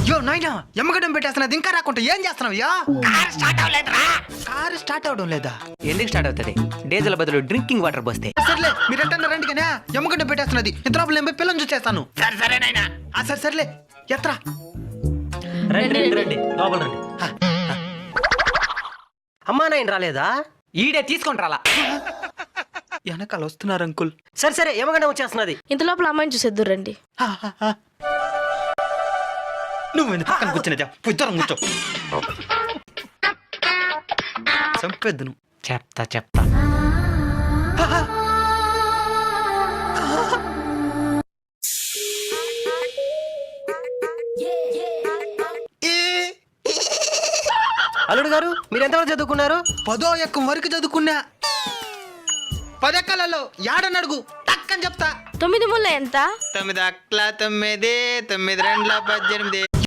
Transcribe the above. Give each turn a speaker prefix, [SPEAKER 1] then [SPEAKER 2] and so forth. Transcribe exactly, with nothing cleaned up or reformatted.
[SPEAKER 1] యో నాయనా ఎమ్మగడం పెట్టేస్తున్నది ఇంకా రాకుంటే ఏం చేస్తున్నావు యా?
[SPEAKER 2] కార్ స్టార్ట్ అవ్వలేదురా.
[SPEAKER 1] కారు స్టార్ట్ అవడం లేదా?
[SPEAKER 2] ఎందుకు స్టార్ట్ అవుతుంది? డీజిల్ బదులు డ్రింకింగ్ వాటర్ పోస్తే.
[SPEAKER 1] సర్లే మీరు ఎట్టన్నా రండి కానీ ఎమ్మగడ్డ పెట్టేస్తున్నది ఇంత లోపల నేను పోయి పిల్లని చూసేస్తాను.
[SPEAKER 2] సరే సరేనైనా.
[SPEAKER 1] ఆ సరే సర్లే ఎత్రా.
[SPEAKER 3] రండి రండి రండి లోపల రండి. అమ్మా నాయన రాలేదా?
[SPEAKER 2] ఈడే తీసుకొని రాలా.
[SPEAKER 1] వెనకాల వస్తున్నారు అంకుల్.
[SPEAKER 3] సరే సరే ఏమగంటే వచ్చేస్తున్నది.
[SPEAKER 4] ఇంత లోపల అమ్మాయిని చూసేద్దు రండి.
[SPEAKER 1] నువ్వు ఎందుకు పక్కన కూర్చునేదా? ఇద్దరం కూర్చో. చంపేద్దు నువ్వు.
[SPEAKER 2] చెప్తా చెప్తా.
[SPEAKER 3] అల్లుడు గారు మీరు ఎంతవరకు చదువుకున్నారు?
[SPEAKER 1] పదో ఎక్కం వరకు చదువుకున్నా. పదెక్కలలో యాడనడుగు టక్కని చెప్తా.
[SPEAKER 4] తొమ్మిది ముళ్ళ ఎంత?
[SPEAKER 1] తొమ్మిది అట్ల తొమ్మిది తొమ్మిది రెండుల పద్దెనిమిది